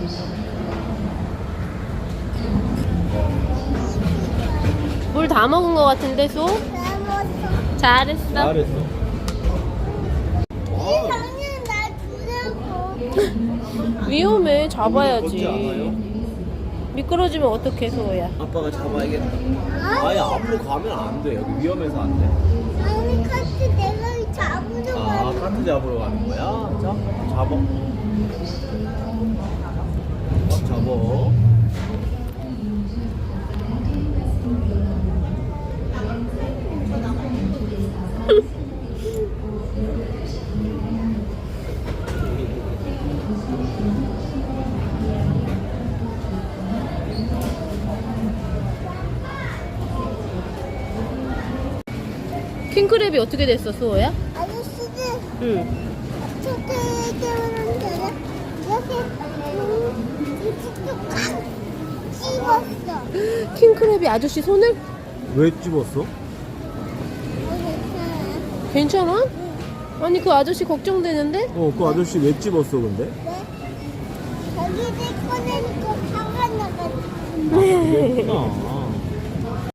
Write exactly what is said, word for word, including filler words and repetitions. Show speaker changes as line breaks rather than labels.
물 다 먹은 것 같은데 소?
잘못했어.
잘했어.
잘했어.
이상해 나 주려고.
위험해.
걷지
잡아야지.
않아요?
미끄러지면 어떡해 소야.
아빠가 잡아야겠다. 아예 앞으로 가면 안 돼. 여기 위험해서 안 돼.
아니 카트 내가 잡으러
아,
가.
카트 잡으러 가는 거야? 자, 잡어. 꽉 잡어.
킹크랩이 어떻게 됐어 수호야?
아저씨들
응.
초대해 주면 되나? 이렇게 음, 꽉 씹었어.
킹크랩이 아저씨 손을?
왜 집었어?
어, 괜찮아.
괜찮아? 아니 그 아저씨 걱정되는데?
어, 그 아저씨 왜 집었어, 근데?
네? 자기들 꺼내니까 화가 나가지고.
그랬구나.